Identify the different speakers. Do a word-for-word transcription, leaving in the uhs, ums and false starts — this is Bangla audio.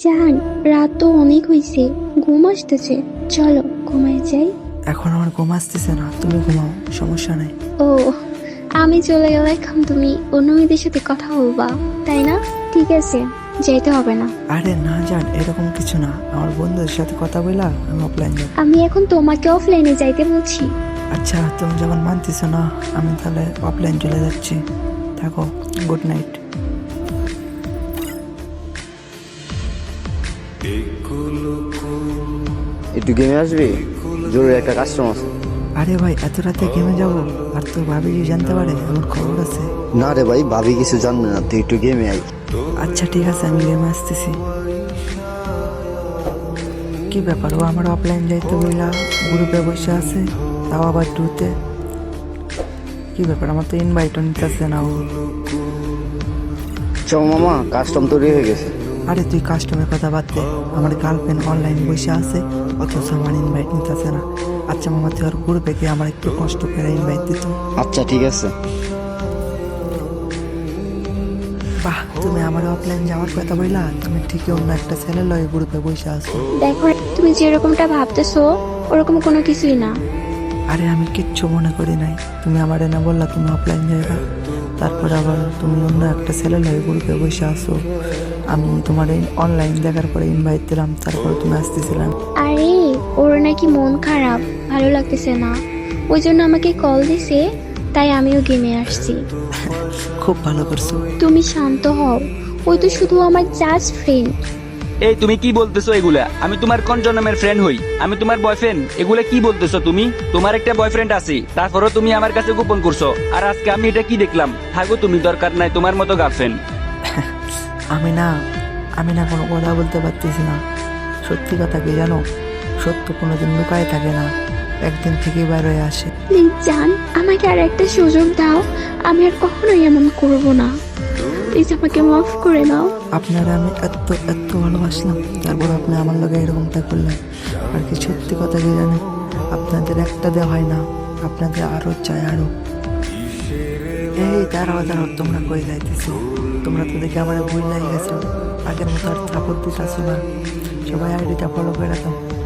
Speaker 1: জান, রাত তো অনেক হয়েছে, ঘুম আসতেছে, চলো ঘুমায় যাই।
Speaker 2: এখন আমার ঘুম আসতেছে না, তুমি ঘুমাও, সমস্যা নাই।
Speaker 1: ও, আমি চলে গেলে এখন তুমি অন্য মেয়েদের সাথে কথা বলবা, তাই না? ঠিক আছে, যাইতে হবে না।
Speaker 2: আরে না জান, এরকম কিছু না, আমার বন্ধুদের সাথে কথা বলা আমি অফলাইন যাব।
Speaker 1: আমি এখন তোমাকে অফলাইনে যাইতে বলছি।
Speaker 2: আচ্ছা তুমি যখন মানতেছো না, আমি তাহলে অফলাইন চলে যাচ্ছি। থাকো, গুড নাইট।
Speaker 3: একটু গেমে আসবি, জরুরি একটা কাস্টমার আছে।
Speaker 2: আরে ভাই, এত রাতে গেমে যাবো? আর তোর ভাবি যদি জানতে পারে আমার খবর আছে।
Speaker 3: না রে ভাই, ভাবি কিছু জানবে না, তুই একটু গেমে আই।
Speaker 2: আচ্ছা ঠিক আছে, আমি গেমে আসতেছি। কি ব্যাপার, ও আমার অফলাইন যাইতে বইলা গ্রুপে বসে আছে, তাও আবার টুতে। কি ব্যাপার, আমার তো ইনভাইটও নিতেছে না ও।
Speaker 3: চ মামা, কাস্টম তৈরি হয়ে গেছে।
Speaker 2: আরে তুই কাস্টমের কথা বাদ দে, আমার গার্লফ্রেন্ড অনলাইন বসে আছে, অথচ আমার ইনভাইট নিতেছে না। আচ্ছা মামা, তুই আর গ্রুপে গিয়ে আমার একটু কষ্ট করে ইনভাইট দিত।
Speaker 3: আচ্ছা ঠিক আছে।
Speaker 2: বাহ, তুমি আমার অফলাইন যাওয়ার কথা বললা, তুমি ঠিকই অন্য একটা ছেলে লয় গ্রুপে বসে আছো।
Speaker 1: দেখো, তুমি যেরকমটা ভাবতেছো ওরকম কোনো কিছুই না।
Speaker 2: আরে আমি কিচ্ছু মনে করি নাই, তুমি আমার না বললা তুমি অফলাইন যাইবা, তারপর আবার তুমি অন্য একটা ছেলে লয় গ্রুপে বসে আসো। আমি তোমার এই অনলাইন দেখার পরে ইনভাইট দিলাম, তারপরে তুমি আসতেছিলাম।
Speaker 1: আরে, ওর নাকি মন খারাপ, ভালো লাগতেছে না, ওই জন্য আমাকে কল দিছে, তাই আমিও গেমে আসছি।
Speaker 2: খুব ভালো করছো।
Speaker 1: তুমি শান্ত হও, ওই তো শুধু আমার জাস্ট ফ্রেন্ড।
Speaker 4: এই তুমি কি বলতেছো এগুলা? আমি তোমার কোন জন্মের ফ্রেন্ড হই? আমি তোমার বয়ফ্রেন্ড? এগুলা কি বলতেছো তুমি? তোমার একটা বয়ফ্রেন্ড আছে, তারপরও তুমি আমার কাছে গোপন করছো। আর আজকে আমি এটা কি দেখলাম? থাকো তুমি, দরকার নাই তোমার মতো গার্লফ্রেন্ড।
Speaker 2: আমি না আমি না কোনো কথা বলতে পারতেছি না। সত্যি কথা কি জানো, সত্য কোনোদিন লুকায় থাকে না, একদিন থেকেই বাইর হয়ে আসে।
Speaker 1: প্লিজ জান, আমাকে আর একটা সুযোগ দাও, আমি আর কখনোই এমন করব না। প্লিজ আমাকে মাফ করে দাও।
Speaker 2: আপনারা আমি এত এত ভালোবাসলাম, তারপর আপনি আমার লগে এরকমটা করলেন। আর কি সত্যি কথা কি জানেন, আপনাদের একটা দেওয়া হয় না, আপনাদের আরো চাই আরো। এই দাঁড়াও দাঁড়াও, তোমরা কই যাইতেছো? তোমরা তো দেখে আমার ভুল লাগে গেছো, আগের মতো আর সাপোর্ট দিতে আসো না। সবাই আইডিটা ফলো করে দাও।